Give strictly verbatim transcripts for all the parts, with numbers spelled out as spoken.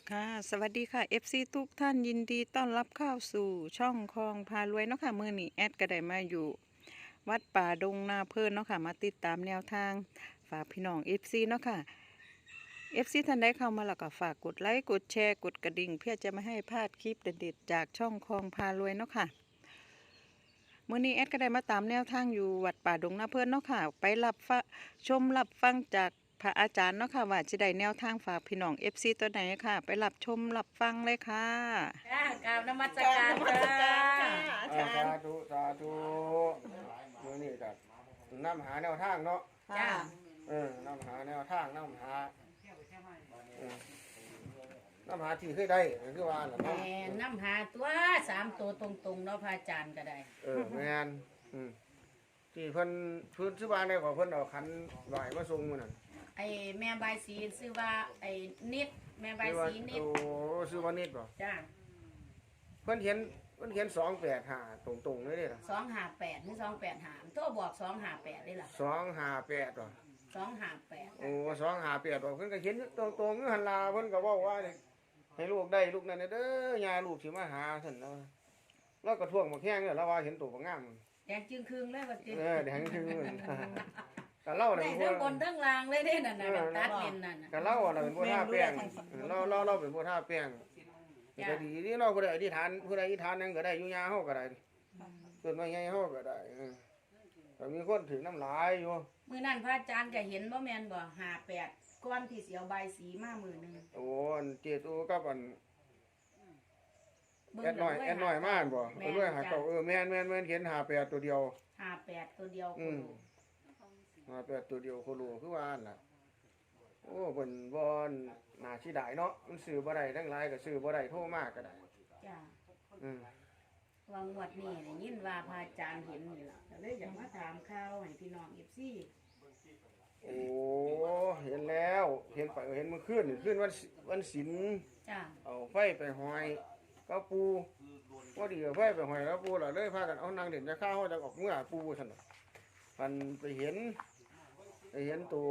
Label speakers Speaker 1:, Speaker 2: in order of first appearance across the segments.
Speaker 1: ค่ะสวัสดีค่ะ เอฟ ซี ทุกท่านยินดีต้อนรับเข้าสู่ช่องคลองพารวยเนาะค่ะมื้อนี้แอดก็ได้มาอยู่วัดป่าดงนาเพิ่นเนาะค่ะมาติดตามแนวทางฝากพี่น้อง เอฟ ซี เนาะค่ะ เอฟ ซี ท่านใดเข้ามาแล้วก็ฝากกดไลค์กดแชร์กดกระดิ่งเพื่อจะไม่ให้พลาดคลิปเด็ดๆจากช่องคลองพารวยเนาะค่ะมื้อนี้แอดก็ได้มาตามแนวทางอยู่วัดป่าดงนาเพิ่นเนาะค่ะไปรับฟังชมรับฟังจากพระอาจารย์เนาะค่ะว่าจะได้แนวทางฝากพี่น้อง เอฟ ซี ตัวไหนค่ะไปรับชมรับฟังเลยค่ะ
Speaker 2: จ้ากราบนมัส
Speaker 1: กรา
Speaker 2: การ
Speaker 1: บนมัสการค่ะ
Speaker 2: จ้า
Speaker 3: อ่าสาธุสาธุมื้อนี้ก็นำหาแนวทางเนาะ
Speaker 2: จ้า
Speaker 3: เออนำหาแนวทางนำหาเออนํหาที่เคยได้คือว่าล่ะ
Speaker 2: แห
Speaker 3: เนาะ
Speaker 2: ม่น้ำหาตัวสามตัวตรงๆเนาะพระอาจารย์ก็ได้
Speaker 3: เออแม่นอืมที่เพิ่นเพิ่นชื่อว่าได้ขอเพิ่นเอาขันไหวมาส่งมื้อนั้น
Speaker 2: ไอ้แม่ใบายสีชื่อว่าไอ้นิดแม่ใบาย
Speaker 3: ชื่อว่า
Speaker 2: สีนิด
Speaker 3: โอ้ชื่อว่านิดบ่
Speaker 2: จ้า
Speaker 3: เพิ่นเขียนเพิ่นเขียนสองแปดห้าตรงๆเลยเด้ล่ะ
Speaker 2: สองห้าแปดหรือสองแปดหามโทรบอกสองห้าแปดได้ล่ะ
Speaker 3: สองห้าแปดบ่
Speaker 2: สองห้าแปด
Speaker 3: โอ้สองห้าแปดบ่เพิ่นก็เขียนตรงๆอยู่หั่นล่ะเพิ่นก็เว้าว่านี่ให้ลูกได้ลูกนั่นน่ะเด้อย่าลูกสิมาหาซั่นเนาะแล้วก็ท่วงบักแข้งเนี่ยแล้วว่าเห็นตัวบักงาม
Speaker 2: แดงจึงครึ่งเลยว่าจิ
Speaker 3: เออแดงคือกันเล่าน่ะ
Speaker 2: ได้
Speaker 3: เป็น
Speaker 2: ทั้งบ
Speaker 3: ผู้
Speaker 2: นทั้งล่างเลยเด้นั่นน่ะแบบตัดเลนนั่นน่ะ
Speaker 3: กันเล่าน่ะเป็นผู้ท่าแป้งเราเราเราเป็นผู้ท่าแป้งก็ดีนี่เราก็ได้อธิษฐานผู้ใดอธิษฐานนั่นก็ได้อยู่ยาเฮาก็ได้ต้นไม้ใหญ่เฮาก็ได้เออก็มีคนถึงน้ำลายอยู่
Speaker 2: มื้อนั้นพระอาจารย์ก็เห็นบ่แม่นบ่ห้าแปดก้อนที่เสียวใบายสีมามื้อหนึง
Speaker 3: โอ้อันเจตูกับอัน
Speaker 2: เบิ่ง
Speaker 3: แอดน้อยแอดน้อยมาบ่
Speaker 2: แม่
Speaker 3: เออด้วยหาเก่าเออแม่นแม่นแม่นเขียนหาแปดตัวเดียว
Speaker 2: ห้าแปดตัวเดียว
Speaker 3: อืมหาแปดตัวเดียวโคโลคือว่าอันล่ะโอ้เพิ่นบ่น่าสิได้เนาะมันซื้อบ่ได้ทั้งหลายก็ซื้อบ่ได้โทรมาก็ได้
Speaker 2: จ้า
Speaker 3: อืม
Speaker 2: วางวัดนี่ได้ยินว่าพระอาจารย์เห็นนี่ล่ะก็เลยอยากมาถามข่าวให้พี่น้องเอฟซี
Speaker 3: โอ้เห็นแล้วเห็นไปเห็นเมื่อคืนนี่คืนวันศิวันศิล
Speaker 2: จ้า
Speaker 3: เอาไฟไปหอยก็ปูพอดีเอาไฟไปหอยแล้วปูล่ะเลยพากันเอานางเด่นจะข้าวจะออกเมื่อปูซั่นน่ะมันไปเห็นไปเห็นตัว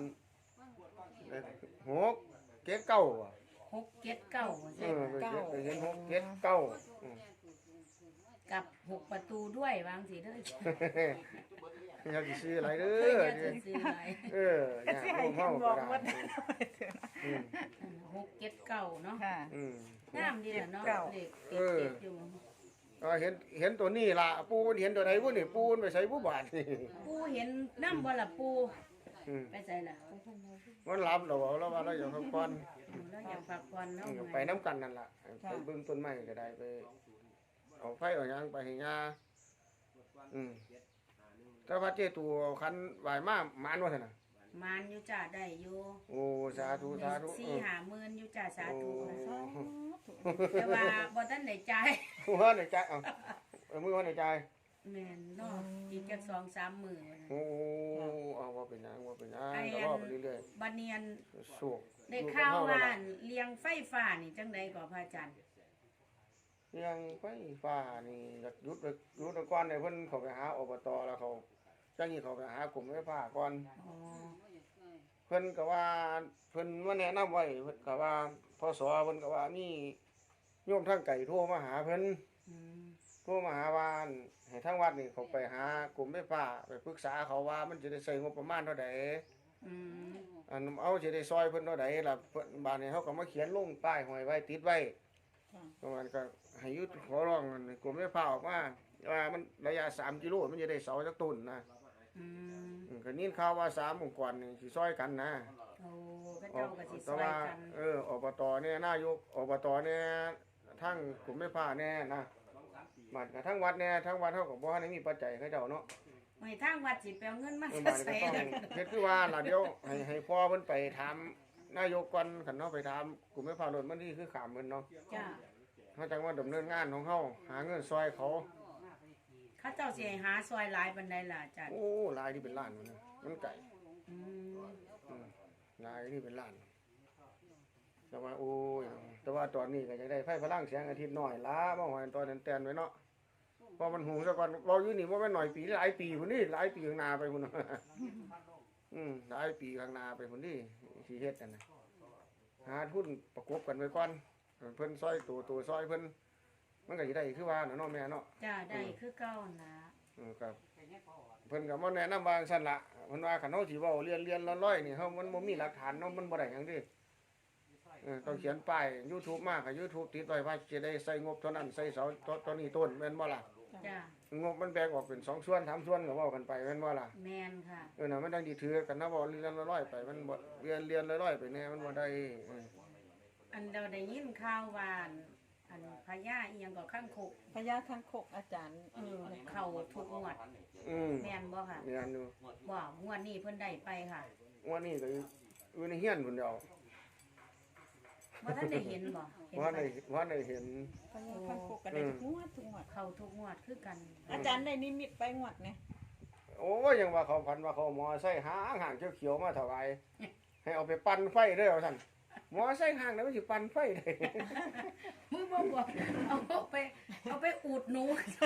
Speaker 3: หกเจ็ดเก้าอ่ะ
Speaker 2: หกเจ็ดเก้า
Speaker 3: เอ
Speaker 2: ใช่
Speaker 3: อ
Speaker 2: ไหม
Speaker 3: ไปเห็นไปเห็นหกเจ็ดเก้าอืม
Speaker 2: กับหกประตูด้วยวางสีเด้อ
Speaker 3: อยากสิซื้ออะไรเด้
Speaker 2: เฮ้ย
Speaker 3: อ
Speaker 2: อย่าจะซื้ออะไร
Speaker 3: เอออยากร่วมเฮาก็ได้อืม
Speaker 2: หกเจ็ดเก้าเนาะ
Speaker 1: ค่ะ
Speaker 3: อืม
Speaker 2: งามดีแหละเนาะ
Speaker 1: เจ็ดเก้า
Speaker 2: เลขติดเจ็ดอยู่
Speaker 3: ก็เห็นเห็นตัวนี้ล่ะปูมันเห็นตัวไหนวุ้นนี่ปูมันไปใส่ผู้บาทนี่
Speaker 2: ปูเห็นน้ำบ่ล่ะปู
Speaker 3: อืม
Speaker 2: ไปใส่ล่ะ
Speaker 3: มันรับเราเอาแล้วว่าเราอยากพักผ่อน
Speaker 2: แล้วอยากพักผ่อนเนาะ
Speaker 3: อืมไปน้ำกันนั่นล่ะไปเบิ่งต้นไม้ก็ได้ไปเอาไฟเอาหยังไปให้ยาอืมแต่ว่าเจ้ตัวคันไหวมากมานว่าซั่นน่ะ
Speaker 2: มานอยู่จ้าได้อยู่
Speaker 3: โอ้สาธุสาธุ
Speaker 2: สี่หาหมื่นอยู่จ้าสา
Speaker 3: โอ้
Speaker 2: ธุแต่ว่าบ่ทันได้จ่าย
Speaker 3: หัวในใจเอาเอามือหัวในใจ
Speaker 2: แม่นเนาะอีกจักสองสามมื้อ
Speaker 3: โอ้เอาว่าเป็นหยังว่าเป็นหยัง
Speaker 2: ไอ้
Speaker 3: ก็
Speaker 2: อั
Speaker 3: ว่าไป
Speaker 2: น
Speaker 3: เรื่อย
Speaker 2: บัดเนียน
Speaker 3: ๆสุก
Speaker 2: ได้ข่าวว่าเลี้ยงไฟฟ้านี่จังไดก็พระอาจารย์
Speaker 3: เรื่องไฟฟ้านี่อยากหยุดไว้หยุดไว้ก่อนให้เพิ่นเข้าไปหาอบตแล้วเขาจังนี้เขาไปหากรมไฟฟ้าก่อน
Speaker 2: อ๋อ
Speaker 3: เพิ่นก็ว่าเพิ่นมาแนะนำไว้เพิ่นก็ว่าพศเพิ่นก็ว่ามีโยมทางไก่โทรมาหาเพิ่น
Speaker 2: อืม
Speaker 3: โทรมาหาว่าให้ทางวัดนี่เขาไปหากรมไฟฟ้าไปปรึกษาเขาว่ามันจะได้ใช้งบประมาณเท่าใด
Speaker 2: อืม
Speaker 3: อันเอาสิได้ซอยเพิ่นเท่าใดล่ะเพิ่นบาดนี้เขาก็มาเขียนลงป้ายห้อยไว้ติดไว้ประมาณก็ให้ยุดขอร้องอันกรมไฟฟ้าออกมาว่ามันระยะสามกิโลมันจะได้เสาจักต้นนะ
Speaker 2: อืม
Speaker 3: อืมก็ยินข่าวว่าสามองค์กรนี่สิซอยกันนะ
Speaker 2: โอ้ก็เจ้าก็สิซ
Speaker 3: แต่
Speaker 2: อย
Speaker 3: ว่า
Speaker 2: กัน
Speaker 3: เอออบตเนี่ยนายกอบตเนี่ยทั้งกลุ่มไม่พาแน่นะบัดกับทั้งวัดเนี่ยทั้งวัดเท่ากับบ่ได้มีปัจจัยเขาเจ้าเนาะ
Speaker 2: ไม่ทางวัดสิไปเอาเงินมา
Speaker 3: เออ
Speaker 2: จะ
Speaker 3: บัดนี้
Speaker 2: ใส่
Speaker 3: ก็ต้อง
Speaker 2: แล้ว
Speaker 3: เฮ็ดคือว่าล่ะเดี๋ยวให้ให้พ่อเพิ่นไปถามนายกก่อนคันเนาะไปถามกลุ่มไม่พารถมันนี่คือขามเพิ่นเนาะ
Speaker 2: จ้า
Speaker 3: เฮาจังว่าดำเนินงานของเฮาหาเงินซอยเขา
Speaker 2: เขาเจ้าสิให้หาซอยหลายปานใดล่ะอาจารย์
Speaker 3: โอ้หลายที่เป็นล้านมันนะมันไก่
Speaker 2: อืม
Speaker 3: อืมหลายที่เป็นล้านแต่ว่าโอ้ยแต่ว่าตอนนี้ก็จะได้ไฟพลังแสงอาทิตย์น้อยล้ามาหอยตอนนั้นแตนไว้เนาะพอมันหูซะก่อนเราอยู่นี่ว่าไม่นหน่อยปีหลายปีพุ่นนี่หลายปีข้างหน้าไปพุ่นน่ะ อืมหลายปีข้างหน้าไปพุ่นนี่สิเฮ็ดกันนะหาทุนประกบกันไว้ก่อนเพิ่นซอยตัวตัวซอยเพิ่นมันก็สิได้คือว่าน่ะเนาะแม่เนาะ
Speaker 2: จ้าได้คือเก่านะ
Speaker 3: เออครับเพิ่นก็บ่แนะนำว่าซั่นล่ะเพิ่นว่าคันเฮาสิเว้าเรียนเรียนร้อยๆนี่เฮามันบ่มีหลักฐานเนาะมันบ่ได้หยังเด้เออต้องเขียนป้าย YouTube มาก็ YouTube ติดไว้ว่าจะได้ใส่งบเท่านั้นใส่เสาตัวนี้ต้นแม่นบ่ล่ะ
Speaker 2: จ้าง
Speaker 3: บมันแบ่งออกเป็นสองส่วนสามส่วนก็เว้ากันไปแม่นบ่ล่ะ
Speaker 2: แมนค่ะ
Speaker 3: เออน่ะมันดังดีถือกันนะบ่เรียนร้อยๆไปมันบ่เรียนเรียนร้อยๆไปแน่มันบ่ได้เออ
Speaker 2: อันเราได้ยินข่าวว่าอันอันพญาอีหยังก็ข้างคก
Speaker 1: พญาคังคกอาจารย์
Speaker 2: เออเข้าทุกงวด
Speaker 3: อืม
Speaker 2: แม่นบ่ค่ะ
Speaker 3: เรียนอยู่
Speaker 2: บ่งวดนี้เพิ่นได้ไปค่ะ
Speaker 3: วันนี้ก็อยู่ในเฮียนพุ่นเดียว
Speaker 2: บ่ทันได้เห็นบ่เห็น
Speaker 3: ว่า
Speaker 2: ไหม
Speaker 3: ได้ว่าได้เห็น
Speaker 1: พญาคังคกก็ได้ทุกงวดทุกงวด
Speaker 2: เข้าทุกงวดคือกัน
Speaker 1: อาจารย์ได้นิมิตไปงวดเนี่ย
Speaker 3: โอ้ยยังว่าเขาพันว่าเขาหมอไซค์หางหางเขียวๆมาถวายให้เอาไปปั่นไฟเด้อว่าซั่นหมอไซค์หางแล้วมันสิปั่นไฟได้
Speaker 2: มึงบ่บอกเอาไปเอาไปอูดหนู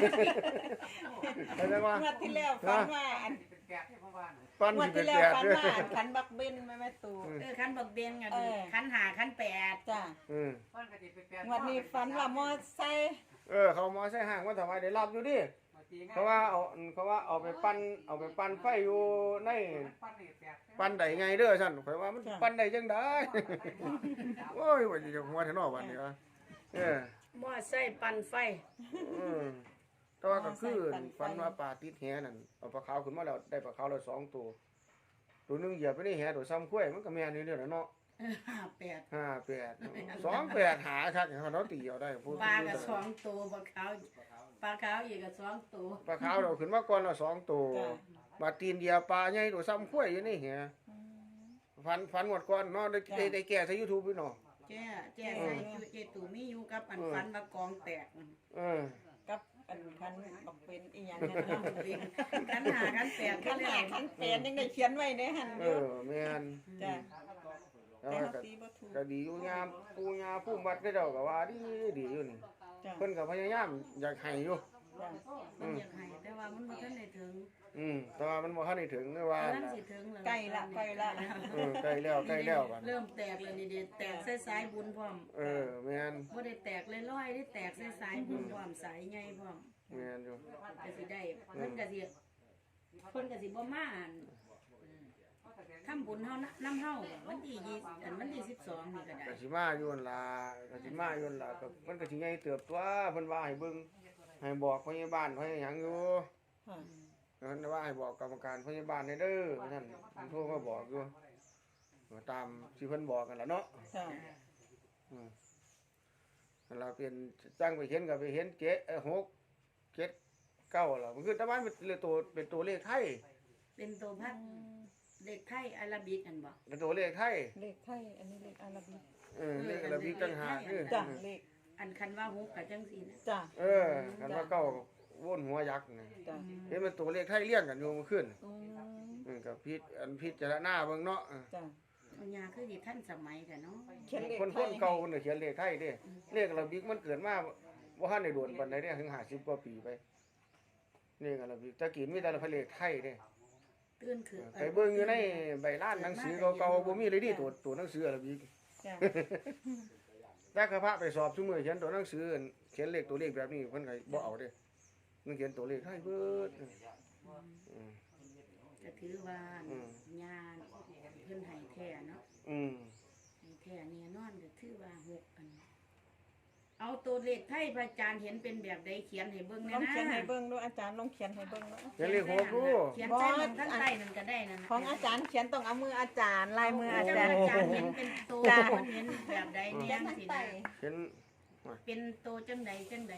Speaker 3: เข้าใจว่าง
Speaker 1: วดที่แล้วฝันว่าอัน
Speaker 3: ปั่น
Speaker 1: งวด
Speaker 3: สิเป็
Speaker 1: ที่
Speaker 3: น
Speaker 1: แล้ว
Speaker 3: แปด
Speaker 1: ฝัน
Speaker 3: เด้อ
Speaker 1: ว่าอันขันบักเบนแม่แม่ตู
Speaker 2: เออคันบักเบงอ่ะ
Speaker 1: เออ
Speaker 2: คันหาคันแปด
Speaker 1: จ้า
Speaker 3: อืม
Speaker 1: งวดนี้ฝันว่ามอไซค์
Speaker 3: เออเขาหมอไซค์หางมาถวายได้รับอยู่ดิเพราะว่าเอาเขาว่าเอาไปปั่นเอาไปปั่นไฟอยู่ในปั่นได้ไงเด้อซั่นข่อยว่ามันปั่นได้จังได๋ โอ้ยว่าสิจะหัวแท้เนาะบัดนี้วะเออ
Speaker 2: บ่ใส่ปั่นไฟ
Speaker 3: อืมแต่ว่าก็คือฝันว่าปลาติดแหนั่นเอาปลาขาวขึ้นมาแล้วได้ปลาขาวแล้วสองตัวตัวหนึงเหยียบไปในแหตัวซ้ำข้วยมันก็แม่นอยู่เด้อล่ะเนาะ
Speaker 2: เออห้าแปด
Speaker 3: ห้าแปดสองแปดหาคักเขาเนาะตีเอาได้พูด
Speaker 2: ปลาก็สองตัวปลาขาวปลาขาวอีกก็สองตัว
Speaker 3: ปลาขาวเราขึ้นมาก่อนแล้วสองตัว
Speaker 1: จ้า
Speaker 3: บาดตีนเหยียบปลาใหญ่ตัวซ้ำข้วยอยู่ในแหฝันฝันหมดก่อนเนาะได้ได้ได้แก้ใส่ YouTube อยู่เนาะ
Speaker 2: แจ้แจ้ใส่อยู่เจตูมีอยู่กับอันฟันว่ากองแตก
Speaker 3: เออ
Speaker 1: กับอันคันบักเป็นอีหยัง
Speaker 2: คั
Speaker 1: นั่น
Speaker 2: น
Speaker 1: เนาะ
Speaker 2: เองคันหาคันแปด
Speaker 1: คันหาคันแปดยังได้เขียนไว้ในหัน
Speaker 3: เอ
Speaker 1: อยู่
Speaker 3: อแม่น
Speaker 1: จ้า
Speaker 3: แต่
Speaker 1: แต่
Speaker 3: ว่า
Speaker 1: เฮา
Speaker 3: ก็
Speaker 1: ตีบ่ถูก
Speaker 3: ก็ดีอยู่ยามปูยาผู้มัดได้เจ้าก็ว่าดีดีอยู่นี่
Speaker 1: จ้า
Speaker 3: เพิ่นก็พยายามอยากให้อยู่
Speaker 1: จ้า
Speaker 2: มันอยากให้แต่ว่ามันบ่ทันได้ถึง
Speaker 3: อืมแต่ว่ามันบ่ทันได้ถึงเลยว่า
Speaker 2: กำลังสิถึงแล้ว
Speaker 1: ใกล้ละใกล้ละ
Speaker 3: เออใกล้แล้วใกล้แล้วบัด
Speaker 2: เริ่มแตกแล้วนี่เด็ดแตกสายๆบุญพร้อม
Speaker 3: เออแม่น
Speaker 2: บ่ได้แตกลอยๆได้แตกสายๆบุญพร้อมสายใหญ่พร้อม
Speaker 3: แม่นอยู่
Speaker 2: ก็สิได้เพิ่นก็สิเพิ่นก็สิบ่มาอั่นทำบุญเฮานำเฮาวันที่ยี่สิบอันวันที่สิบสองนี่ก็ได้
Speaker 3: ก็สิมาอยู่นั่นล่ะก็สิมาอยู่นั่นล่ะก็มันก็สิใหญ่เติบตัวเพิ่นว่าให้เบิ่งให้บอกพยาบาลพยาหยังอยู่
Speaker 1: ค่ะ
Speaker 3: เพิ่นว่าให้บอกกรรมการพยาบาลให้เด้อว่าซั่นเพิ่นโทรมาบอกอยู่ก็ตามที่เพิ่นบอกกันล่ะเนาะ
Speaker 1: จ้า
Speaker 3: อืมนั่นล่ะเป็นจังไปเห็นก็ไปเห็นเจ็ดเอ้อหกเจ็ดเก้าล่ะมันคือแต่ว่ามันเป็นตัวเป็นตัวเลขไทย
Speaker 2: เป็นตัวพัดเด็กไทยอาราบิกอันบ่
Speaker 3: เป็นตัวเลขไทย
Speaker 1: เลขไทยอันนี้เลขอาราบิก
Speaker 3: เออเลขอาราบิกต่างหากคือ
Speaker 1: จ้าเลข
Speaker 2: อันคันว่าฮุกก็จังซี่นะ
Speaker 1: จ้า
Speaker 3: เออกันว่าเก้าวนหัวยักษ์นี่
Speaker 1: จ้า
Speaker 3: เห็นมันตัวเลขไทยเลี้ยงกันอยู่เมื่อคืน
Speaker 1: อืม
Speaker 3: อืมกับพิษอันพิจารณาเบิ่งเนาะ
Speaker 1: จ้า
Speaker 2: เอาญาคือสิทันสมัยแต่เนาะ
Speaker 1: เขียนเลข
Speaker 3: คน
Speaker 1: ไท
Speaker 3: คน
Speaker 1: ย
Speaker 3: เก่าคนน่ะเขียนเลขไทยเด้เลขอาราบิกมันเกิดมาบ่ทันได้โดนปานใดเด้ถึงห้าสิบกว่าปีไปเลขอาราบิกแตะกี้มีแต่เลขไทยเด้
Speaker 2: ตื่นคือ
Speaker 3: ไปเบิ่งอยู่ในใบลานหนังสือเก่าๆบ่มีเลยดิตัวตัวหนังสืออาราบิก
Speaker 1: จ้า
Speaker 3: แต่กระพะไปสอบซุมื้อเขียนตัวหนังสือเขียนเลขตัวเลขแบบนี้เพิ่นก็บ่เอาเด้มันเขียนตัวเลขไทยเบิดอืม
Speaker 2: ก็ถือว่า
Speaker 3: อืม
Speaker 2: ญาเพิ่นให้แท้เนาะ
Speaker 3: อืม
Speaker 2: ให้แท้เนี่ยนอนก็ถือว่าหกอัน เอาตัวเลขไทยพระอาจารย์เห็นเป็นแบบใดเขียนให้เบิ่ง
Speaker 1: ล
Speaker 2: แน่
Speaker 1: อง
Speaker 2: นะ
Speaker 1: เขียนให้เบิ่งดูอาจารย์ลองเขียนให้เบิ่งดู
Speaker 3: เขียนเลขหกดู
Speaker 2: เขียนใต้มันข้างใต้นั่นก็ได้นั่นน่ะ
Speaker 1: ของอาจารย์เขียนต้องเอามืออาจารย์ลายมืออา
Speaker 2: เจ้า
Speaker 1: จารย์
Speaker 2: อาจารย์เห็นเป็นตัว
Speaker 1: จ้ะ
Speaker 2: มันเห็นแบบใด
Speaker 1: เขี
Speaker 2: เนี่ย ย
Speaker 1: นทั้ง
Speaker 2: สิ
Speaker 1: ไต
Speaker 2: นะ
Speaker 3: เขียน
Speaker 2: เป็นตัวจังใดจังใด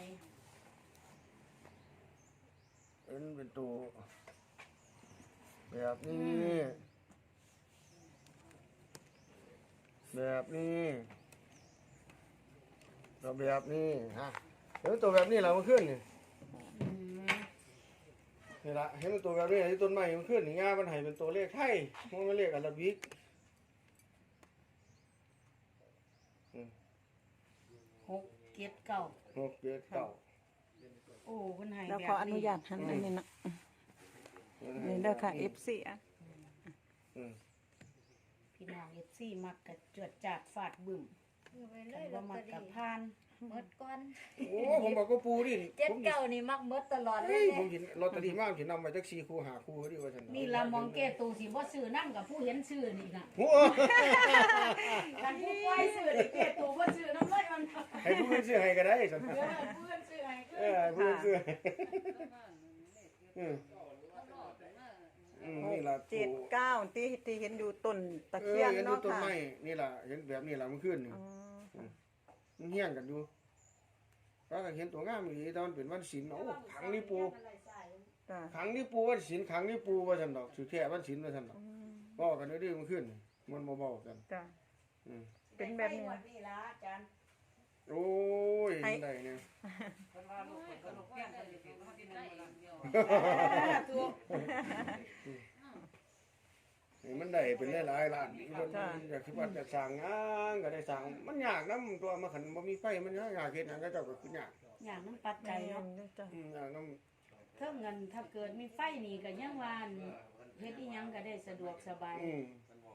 Speaker 3: เอ็นเป็นตัวแบบนี้ แบบนี้เราแบบนี้ฮะเห็นตัวแบบนี้เรามาขึ้นนี่
Speaker 2: อืม
Speaker 3: นี่ละเห็นตัวแบบนี้ที่ต้นไม้มันขึ้นนี่ง่ามันให้เป็นตัวเลขไทยมันไม่เลขอาราบิก
Speaker 2: หกเจ็ดเก้า
Speaker 3: หกเจ็ดเก้า
Speaker 2: โอ้เพิ่นให้
Speaker 1: เรา
Speaker 2: แบบ
Speaker 1: ขออนุญาตหันอันนี้นะนี่เด้อค่ะ เอฟ ซี อ่ะ
Speaker 3: อืม
Speaker 2: พิพี่น้อง เอฟ ซี มักกะจวดจาดฟาดบึ้ม
Speaker 4: คือไปเล
Speaker 2: คั
Speaker 4: ย
Speaker 2: น
Speaker 4: ล
Speaker 2: บ่
Speaker 4: อต
Speaker 2: มั
Speaker 4: เต
Speaker 2: ก
Speaker 4: อก
Speaker 2: ะ
Speaker 4: รี่
Speaker 2: ผ่าน
Speaker 4: หมดก่อน
Speaker 3: โอ้ผมบอกก็ปูดิ
Speaker 4: เจ็ด
Speaker 3: ผม
Speaker 4: เก้านี่มักหมดตลอดเล
Speaker 3: เฮ้
Speaker 4: ย
Speaker 3: ย
Speaker 4: เนี่
Speaker 3: ผม
Speaker 4: ย
Speaker 3: เห็นลอตเตอรี่มากสินำมาจากสี่คู่หาคู่ดิว่าซั่น
Speaker 2: นี่ละมองเกตูสิบ่ซื้อนำกับผู้เห็นชื่อนี่น่ะ
Speaker 3: โอ้
Speaker 2: คันผู้ปล่อยซื้อนี่เกตูบ่ซื้อนำเลยมัน
Speaker 3: ให้ผู้อื่นซื้อให้ก็ได้ซั่น
Speaker 2: เออผู้เห็นชื่อให้คือ
Speaker 3: เออให้ผู้อื่นซื้อให้อืมอืมนี่ล่ะ
Speaker 1: เจ็ด
Speaker 3: ปู่
Speaker 1: เก้าที่ที่เห็นอยู่ต้นตะ
Speaker 3: เอ
Speaker 1: เคี
Speaker 3: อย
Speaker 1: น
Speaker 3: เห็นดู
Speaker 1: เนาะ
Speaker 3: ต้น
Speaker 1: ค่ะ
Speaker 3: ไม้นี่ล่ะเห็นแบบนี้ล่ะมันขึ้นนี่
Speaker 1: อ๋อ
Speaker 3: มันเฮี้ยงกันอยู่แล้วก็เห็นตัวงามอีหลีตอนเป็นวันศีลโอ้ขังนี่ปู
Speaker 1: จ้ะ
Speaker 3: ขังนี่ปูวันศีลขังนี่ปูว่าซั่นดอกสิแท้วันศีลว่าซั่นดอก
Speaker 1: อืม
Speaker 3: เว้ากันเด้อๆมันขึ้นมันบ่เว้ากัน
Speaker 1: จ้ะ
Speaker 3: อืม
Speaker 1: เป็นแบบนี้
Speaker 2: วัดนี่ล่ะอาจารย์
Speaker 3: โอ้ยเห็นได้เนี่ย
Speaker 2: ตัว
Speaker 3: นี่มันได้เป็นหลายๆล้านเพิ่นอยากสิว่าจะสร้างงานก็ได้สร้างมันยากนํตัวมาคันบ่มีไฟมันยากเฮ็ดหยังก็เจ้าก็คือยาก
Speaker 2: อย่างน้ำปัจ
Speaker 1: ใจ
Speaker 2: จัย
Speaker 1: เนาะ
Speaker 2: เนาะ
Speaker 1: จ้ะ
Speaker 3: อืมยากนํ
Speaker 2: เท่าเงินถ้าเกิดมีไฟนี่ก็ยังว่าอันเฮ็ดอีหยังก็ได้สะดวกสบาย
Speaker 3: อืม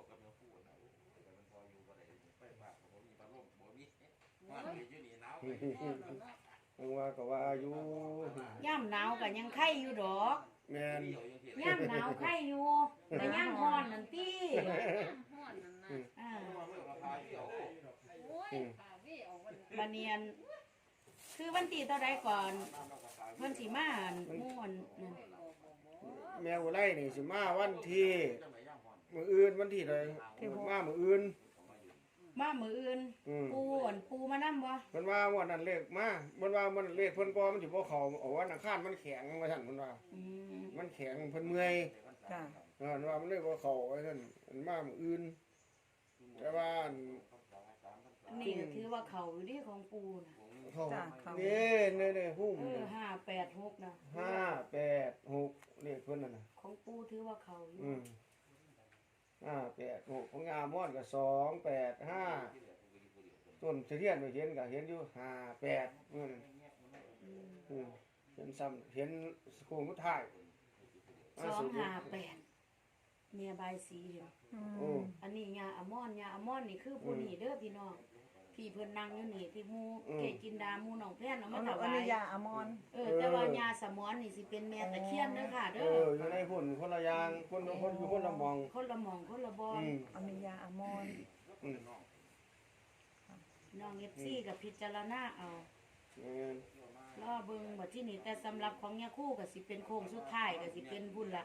Speaker 3: มันว่าก็ว่าอยู่
Speaker 2: ย่ำหนาวก็ยังไข่อยู่ดอก
Speaker 3: แม่น
Speaker 2: ย่ำหนาวไข่อยู่แต่ย่ำร้อนนั่นติ
Speaker 5: ห้อนนั่นนะ
Speaker 2: อ่า
Speaker 5: โอ้ย
Speaker 3: อืม
Speaker 5: ขาพี่ออกวัน
Speaker 2: บัดเนียนคือวันที่เท่าใดก่อนเพิ่นสิมาอั่นม่วนนั่น
Speaker 3: แมวไล่นี่สิมาวันที่มื้ออื่นวันที่ใดมามื้ออื่น
Speaker 2: มามื้ออื่น
Speaker 3: อืม
Speaker 2: ปูอั่นปูมานำบ่
Speaker 3: เพิ่นว่าวันนั้นเลขมาเพิ่นว่ามันเลขเพิ่นบ่มันสิบ่เข้าเอาวันอังคารมันแข็งว่าซั่นเพิ่นว่า
Speaker 2: อืม
Speaker 3: มันแข็งเพิ่นเมื่อย
Speaker 1: จ้ะ
Speaker 3: เออว่ามันเลยบ่เข้าไว้ซั่นมันมามื้ออื่นแต่ว่าอัน
Speaker 2: อันนี้ก็ถือว่าเขาอยู่ที่ของปูน่ะ
Speaker 3: เข้า
Speaker 1: จ้ะเขา
Speaker 3: นี่นี่ๆหุ้ม
Speaker 2: เออห้าแปดหกนะ
Speaker 3: ห้าแปดหกเลขเพิ่นนั่นน่ะ
Speaker 2: ของปูถือว่าเขาอยู่
Speaker 3: อืมห้าแปดหกของงามม่อนก็สองแปดห้าต้นเทียนไปเห็นก็เห็นอยู่ห้าแปดมื้อนั้น
Speaker 2: อืม
Speaker 3: อืมเห็นซ้ำเห็นโค้งสุดท้าย
Speaker 2: สองห้าแปดเมียบายสีเดียว
Speaker 1: อื
Speaker 3: โอ้
Speaker 1: ม
Speaker 2: อันนี้ยาอะมอนยาอะมอนนี่คือผู้นี่เด้อพี่น้องพี่เพิ่นนั่งอยู่นี่ที่หมูเกจินดาหมูน้องแพนเอา
Speaker 1: อั
Speaker 2: มาน ถ
Speaker 1: นี้อั
Speaker 2: วาน
Speaker 1: นี้
Speaker 2: ย
Speaker 1: ยาอมอน
Speaker 2: เออแต่ว่ายาสมอนนี่สิเป็นแม่ตะเคียนเด้อค่ะ
Speaker 3: เอ
Speaker 2: เด้อ
Speaker 3: ออยู่ในพุ่นคนละอย่างคนละคนอยู่คนละหมอง
Speaker 2: คนละหม่องคนละบอล
Speaker 3: อืม
Speaker 1: อันนี้ยาอมอน
Speaker 3: อืม
Speaker 2: น้องเอฟซีกับพิจารณาเอา
Speaker 3: แม่น
Speaker 2: รอเบิ่งบัดที่นี่แต่สำหรับของยาคู่ก็สิเป็นโค้งสุดท้ายก็สิเป็นบุญละ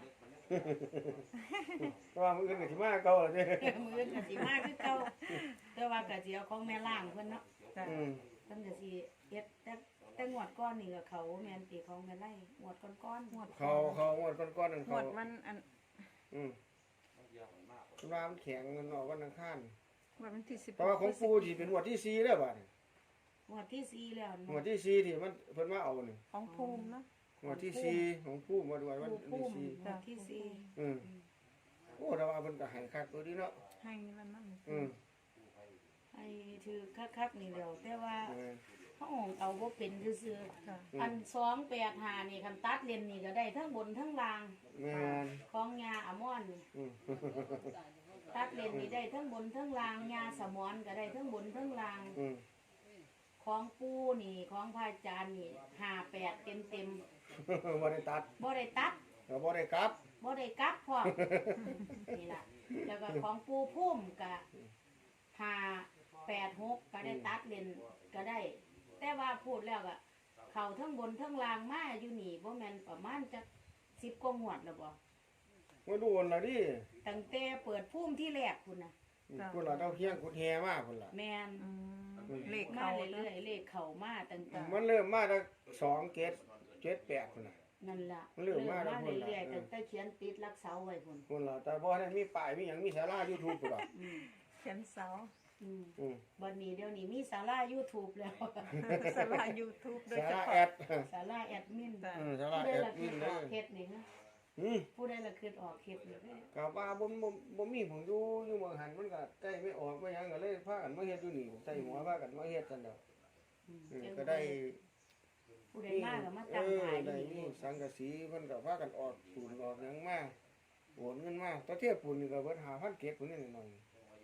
Speaker 3: แต่ว่ามื้ออื่นก็สิมาเก่าล่ะเด้
Speaker 2: มือก็สิมาคือเก่าแต่ว่าก็สิเอาของแม่ล่างเพิ่นเนาะ
Speaker 1: จ้ะ
Speaker 3: อืม
Speaker 2: เพิ่นก็สิเฮ็ดแต่แต่งวดก้อนนี่ก็เขาแม่นตีของแม่ไล่งวดก้อนๆงวด
Speaker 3: เขาเขางวดก่อนๆนั่น
Speaker 1: หม
Speaker 3: เขา
Speaker 1: ดมันอัน
Speaker 3: อืมคุณว่ามันแข็งมันออกวันอังคาร
Speaker 1: หมดมันที่สิบ
Speaker 3: แต่ว่าของปูสิเป็นงวดที่สี่แล้วบัดนี้
Speaker 2: งวดที่สี่แล้ว
Speaker 3: งวดที่สี่ที่มันเพิ่นมาเอานี่
Speaker 1: ของภูมิเนาะ
Speaker 3: งวดที่สี่ของปูมาด้วยวัน
Speaker 2: ผู้
Speaker 3: ที่
Speaker 2: พุ่ม
Speaker 3: สี่
Speaker 2: งวดที่สี่
Speaker 3: อืมโอ้แต่ว่าเพิ่นก็ให้คักตัวนี้เนาะ
Speaker 1: ให้แล้วนั่น
Speaker 3: อืม
Speaker 2: ให้ถือคักๆนี่แล้วแต่ว่า
Speaker 3: เออ
Speaker 2: เฮาเอาบ่เป็นซื่อ
Speaker 1: จ้ะ
Speaker 2: ๆอันสองแปดห้านี่คันตัดเลนนี่ก็ได้ทั้งบนทั้งล่าง
Speaker 3: แม่น
Speaker 2: ของยาอะมอนนี่
Speaker 3: อืม
Speaker 2: ตัดเลนนี่ได้ทั้งบนทั้งล่างยาสมอนก็ได้ทั้งบนทั้งล่าง
Speaker 3: อืม
Speaker 2: ของปูนี่ของพระอาจารย์นี่ห้าแปดเต็มเต็ม
Speaker 3: บ่ได้ตัด
Speaker 2: ๆบ่ได้ตัด
Speaker 3: ก็บ่ได้กลับ
Speaker 2: บ่ได้กลับพร้อม นี่ล่ะแล้วก็ของปูพุ่มก็ห้าแปดหกก็ได้ตัดเลนก็ได้ แต่ว่าพูดแล้วก็เขาทั้งบนทั้งล่างมาอยู่นี่บ่แม่นประมาณจักสิบกว่าหวดแล้วบ่
Speaker 3: มาดูนล่ะดิ
Speaker 2: ตั้งแต่เปิดพุ่มที่แรกพุ่นน่ะ
Speaker 3: พุ่นล่ะเจ้าเฮียงกุดแฮมาพุ่นล่ะ
Speaker 2: แม่น
Speaker 1: อืมเลข
Speaker 2: มา
Speaker 1: เขา
Speaker 2: เรื่อยๆเลขเข้ามาตั้งแต่
Speaker 3: มันเริ่มมาจากสองเกตเจ็ดแปดพุ่นน่ะ
Speaker 2: นั่นล่ะ
Speaker 3: มันเริ่มมาแล้วพุ่นล่ะ
Speaker 2: เรื่อยๆตั้งแต่เขียนติดรักเสาไว้พุ่น
Speaker 3: พุ่นล่ะแต่บ่ได้มีป้ายมีหยังมีศาลา YouTube พุ่นล่ะ
Speaker 2: อืม
Speaker 1: เขียนเสา
Speaker 2: อืม
Speaker 3: อืม
Speaker 2: บัดนี้เดี๋ยวนี้มีศาลา YouTube แล้ว
Speaker 1: สลายูทูบโดย
Speaker 3: ศา
Speaker 1: เฉ
Speaker 3: ลา
Speaker 1: พาะ
Speaker 3: แอด
Speaker 2: ศาลาแอดมิน
Speaker 1: จ้ะ
Speaker 3: อืมศาลา
Speaker 2: ผู้ใด
Speaker 3: แอด
Speaker 2: ละ
Speaker 3: มิ
Speaker 2: คื
Speaker 3: น
Speaker 2: อ
Speaker 3: เด้
Speaker 2: อ
Speaker 3: อ
Speaker 2: อกเฮ็ดนี่ฮะ
Speaker 3: อืม
Speaker 2: ผู้ใดละคือออกเฮ็ดนี่
Speaker 3: ก็ว่าบ่บ่บ่มีผมอยู่อยู่เมืองหันมันก็ใกล้ไม่ออกไม่หยังก็เลยพากันมาเฮ็ดอยู่นี่ใส่หัวพากันมาเฮ็ดซั่นดอก
Speaker 2: อืม
Speaker 3: อืมก็ได้
Speaker 2: ผู้ใดมาก็มา
Speaker 3: เอ
Speaker 2: ตั้ง
Speaker 3: อ
Speaker 2: ขาย
Speaker 3: ได้
Speaker 2: นี่
Speaker 3: มีสังกะสีเพิ่นก็พากันออกปูนออกหยังมาโอนเงินมาตะเทียบปูนนี่ก็เบิดห้าพันเก็บพุ่นนี่หน่อย
Speaker 2: อ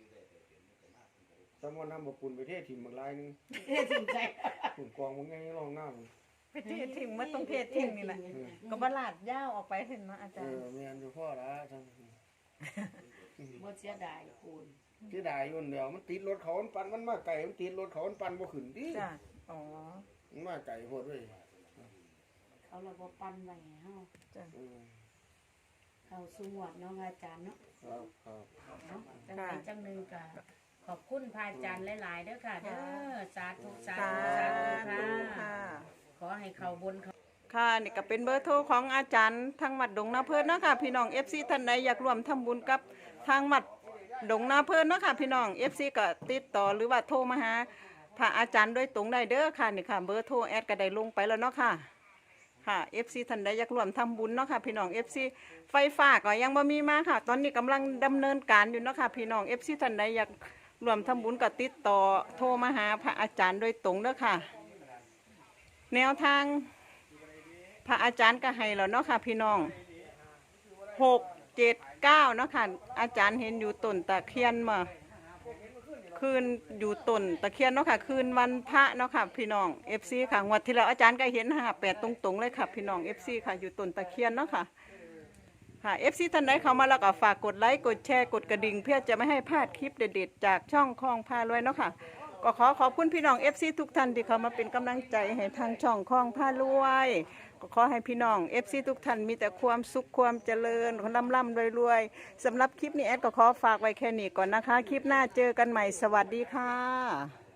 Speaker 3: สมมุตินำบ่ปุ่นไปเทถิ่มบักลายนึง
Speaker 2: เอ๊ะจริงใจ
Speaker 3: ปุ่นกองมึงไงร้องน้ำ
Speaker 1: ไปเททิ้งมาต้องเททิ้งนี่แหละก็บลาดยาวออกไปเห็นเนาะอา
Speaker 3: เอ
Speaker 1: จารย์
Speaker 3: อแม่นอยู่พ่อละท่าน
Speaker 2: บ่เสียดายปูน
Speaker 3: ที่ได้อยู่เดียวมันติดรถเขามันปั่นมันมาไกลมันติดรถเขามันปั่นบ่ขึ้นดิ
Speaker 1: จ้ะอ๋อ
Speaker 3: มันมาไกลโพดเว้ย
Speaker 2: เขาเราบ่ปันไว้ให้เฮา
Speaker 1: จ้ะ
Speaker 3: อืม
Speaker 2: เข้าสู่หวดเนาะอาจารย์เนาะ
Speaker 3: ครับครับ
Speaker 2: เนาะจังไดจังหนึงก็ขอบคุณพระอาจารย์หลายๆเด้อค่ะเด้อสาธุสา
Speaker 1: สา
Speaker 2: ธุสาธุ
Speaker 1: ธุ
Speaker 2: ค่ะ
Speaker 1: ค่ะ
Speaker 2: ขอให้เขาบนเขา
Speaker 1: ค่ะนี่ก็เป็นเบอร์โทรของอาจารย์ทางวัดดงนาเพิ่นเนาะค่ะพี่น้อง เอฟ ซี ท่านใดอยากร่วมทำบุญกับทางวัดดงนาเพิ่นเนาะค่ะพี่น้อง เอฟ ซี ก็ติดต่อหรือว่าโทรมาหาพระอาจารย์โดยตรงได้เด้อค่ะนี่ค่ะเบอร์โทรแอดก็ได้ลงไปแล้วเนาะค่ะค่ะ เอฟ ซี ท่านใดอยากร่วมทำบุญเนาะค่ะพี่น้อง เอฟ ซี ไฟฟ้าก็ยังบ่มีมาค่ะ ตอนนี้กำลังดำเนินการอยู่เนาะค่ะพี่น้อง เอฟ ซี ท่านใดอยากร่วมทำบุญก็ติดต่อโทรมาหาพระอาจารย์โดยตรงเด้อค่ะ แนวทางพระอาจารย์ก็ให้แล้วเนาะค่ะพี่น้องหกเจ็ดเก้าเนาะค่ะอาจารย์เห็นอยู่ต้นตะเคียนมาคืนอยู่ต้นตะเคียนเนาะค่ะคืนวันพระเนาะค่ะพี่น้องเอฟซีค่ะงวดที่แล้วอาจารย์ก็เห็นห้าแปดตรงๆเลยค่ะพี่น้องเอฟซีค่ะอยู่ต้นตะเคียนเนาะค่ะค่ะเอฟซีท่านใดเข้ามาแล้วก็ฝากกดไลค์กดแชร์กดกระดิ่งเพื่อจะไม่ให้พลาดคลิปเด็ดๆจากช่องคลองพารวยเนาะค่ะก็ขอขอบคุณพี่น้องเอฟซีทุกท่านที่เข้ามาเป็นกำลังใจให้ทางช่องคลองพารวยก็ขอให้พี่น้องเอฟซีทุกท่านมีแต่ความสุขความเจริญร่ำร่ำรวยๆสำหรับคลิปนี้แอดก็ขอฝากไว้แค่นี้ก่อนนะคะคลิปหน้าเจอกันใหม่สวัสดีค่ะ